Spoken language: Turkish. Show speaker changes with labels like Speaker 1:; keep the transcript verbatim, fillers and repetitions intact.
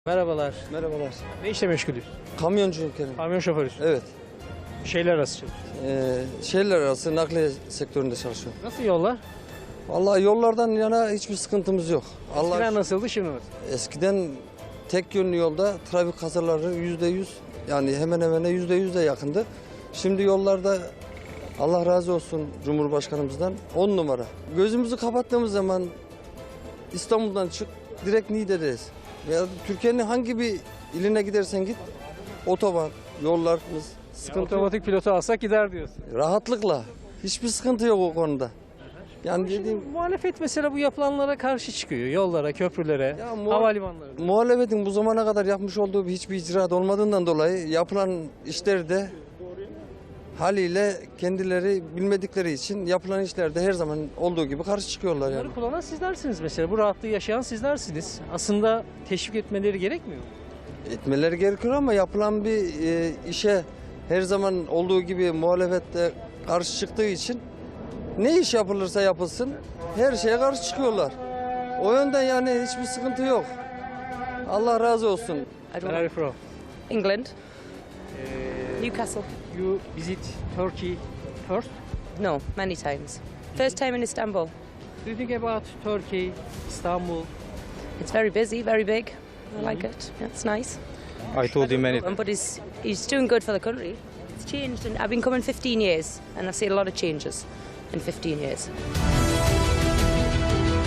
Speaker 1: Merhabalar.
Speaker 2: Merhabalar.
Speaker 1: Ne işle meşgulüz?
Speaker 2: Kamyonculuk yani.
Speaker 1: Kamyon şoförüsün.
Speaker 2: Evet.
Speaker 1: Şehirler arası çalışıyorsun.
Speaker 2: Ee, şehirler arası nakliye sektöründe çalışıyorum.
Speaker 1: Nasıl yollar?
Speaker 2: Vallahi yollardan yana hiçbir sıkıntımız yok. Allah
Speaker 1: Eskiden nasıldı, şimdi nasıl?
Speaker 2: eskiden tek yönlü yolda trafik kazaları yüzde yüz, yani hemen hemen yüzde yüz de yakındı. Şimdi yollarda Allah razı olsun Cumhurbaşkanımızdan on numara. Gözümüzü kapattığımız zaman İstanbul'dan çık direkt Niğde'deyiz. Veya Türkiye'nin hangi bir iline gidersen git otoban, yollarımız
Speaker 1: Yani
Speaker 2: sıkıntı yok.
Speaker 1: otomatik pilotu alsak gider diyorsun.
Speaker 2: Rahatlıkla. Hiçbir sıkıntı yok o konuda. Yani dediğim
Speaker 1: Muhalefet mesela bu yapılanlara karşı çıkıyor. Yollara, köprülere,
Speaker 2: Ya muha-
Speaker 1: havalimanlarına.
Speaker 2: muhalefetin bu zamana kadar yapmış olduğu hiçbir icraat olmadığından dolayı yapılan işleri de haliyle kendileri bilmedikleri için yapılan işlerde her zaman olduğu gibi karşı çıkıyorlar yani.
Speaker 1: Bunları kullanan sizlersiniz mesela. Bu rahatlığı yaşayan sizlersiniz. Aslında teşvik etmeleri gerekmiyor mu?
Speaker 2: Etmeleri gerekiyor ama yapılan bir e, işe her zaman olduğu gibi muhalefet de karşı çıktığı için ne iş yapılırsa yapılsın her şeye karşı çıkıyorlar. O yönden yani hiçbir sıkıntı yok. Allah razı olsun.
Speaker 3: I
Speaker 1: Where
Speaker 3: don't
Speaker 1: are you from?
Speaker 3: England,
Speaker 1: Uh,
Speaker 3: Newcastle.
Speaker 1: you visit Turkey first?
Speaker 3: No, many times. First time in Istanbul.
Speaker 1: Do you think about Turkey, Istanbul?
Speaker 3: It's very busy, very big. I like it. Yeah, it's nice.
Speaker 4: I told him many
Speaker 3: Um, But he's he's doing good for the country. It's changed, and I've been coming fifteen years, and I've seen a lot of changes in fifteen years.